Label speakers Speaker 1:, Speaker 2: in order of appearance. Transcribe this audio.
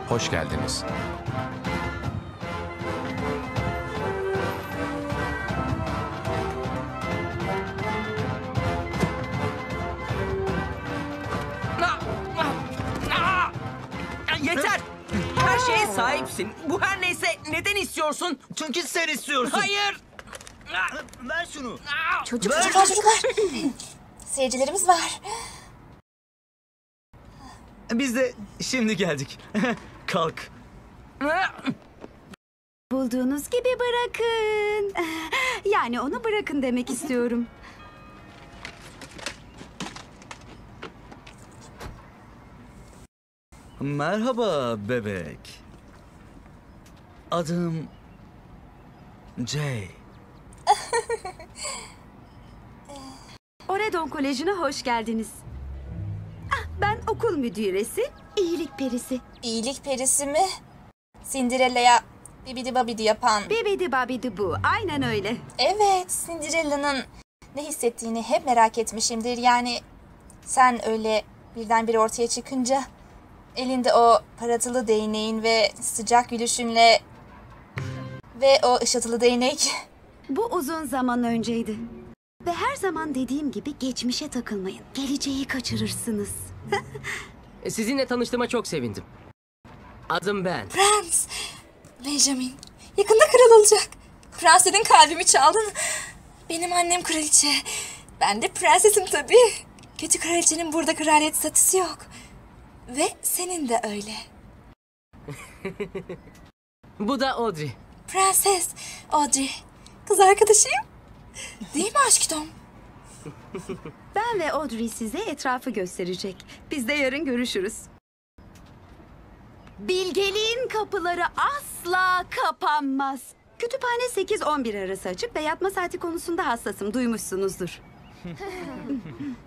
Speaker 1: hoş geldiniz.
Speaker 2: Yeter! Her şeye sahipsin. Bu her neyse neden istiyorsun?
Speaker 3: Çünkü sen istiyorsun.
Speaker 2: Hayır!
Speaker 3: Ver şunu.
Speaker 4: Çocuklar. Seyircilerimiz var.
Speaker 3: Biz de şimdi geldik. Kalk.
Speaker 5: Bulduğunuz gibi bırakın. Yani onu bırakın demek istiyorum.
Speaker 3: Merhaba bebek. Adım Jay.
Speaker 5: Oredon Koleji'ne hoş geldiniz. Ben okul müdüresi, iyilik perisi.
Speaker 4: İyilik perisi mi? Cinderella'ya bibidi babidi yapan.
Speaker 5: Bibidi babidi bu, aynen öyle.
Speaker 4: Evet, Cinderella'nın ne hissettiğini hep merak etmişimdir. Yani sen öyle birdenbire ortaya çıkınca elinde o paratılı değneğin ve sıcak gülüşünle ve o ışıltılı değnek.
Speaker 5: Bu uzun zaman önceydi. Ve her zaman dediğim gibi geçmişe takılmayın. Geleceği kaçırırsınız.
Speaker 2: Sizinle tanıştığıma çok sevindim. Adım Ben.
Speaker 4: Prens, Benjamin. Yakında kral olacak. Prensesin kalbimi çaldın. Benim annem kraliçe. Ben de prensesim tabii. Kötü kraliçenin burada kraliyet statüsü yok. Ve senin de öyle.
Speaker 2: Bu da Audrey.
Speaker 4: Prenses Audrey. Kız arkadaşıyım. Değil mi aşkım?
Speaker 5: Ben ve Audrey size etrafı gösterecek. Biz de yarın görüşürüz. Bilgeliğin kapıları asla kapanmaz. Kütüphane 8-11 arası açık ve yatma saati konusunda hassasım. Duymuşsunuzdur.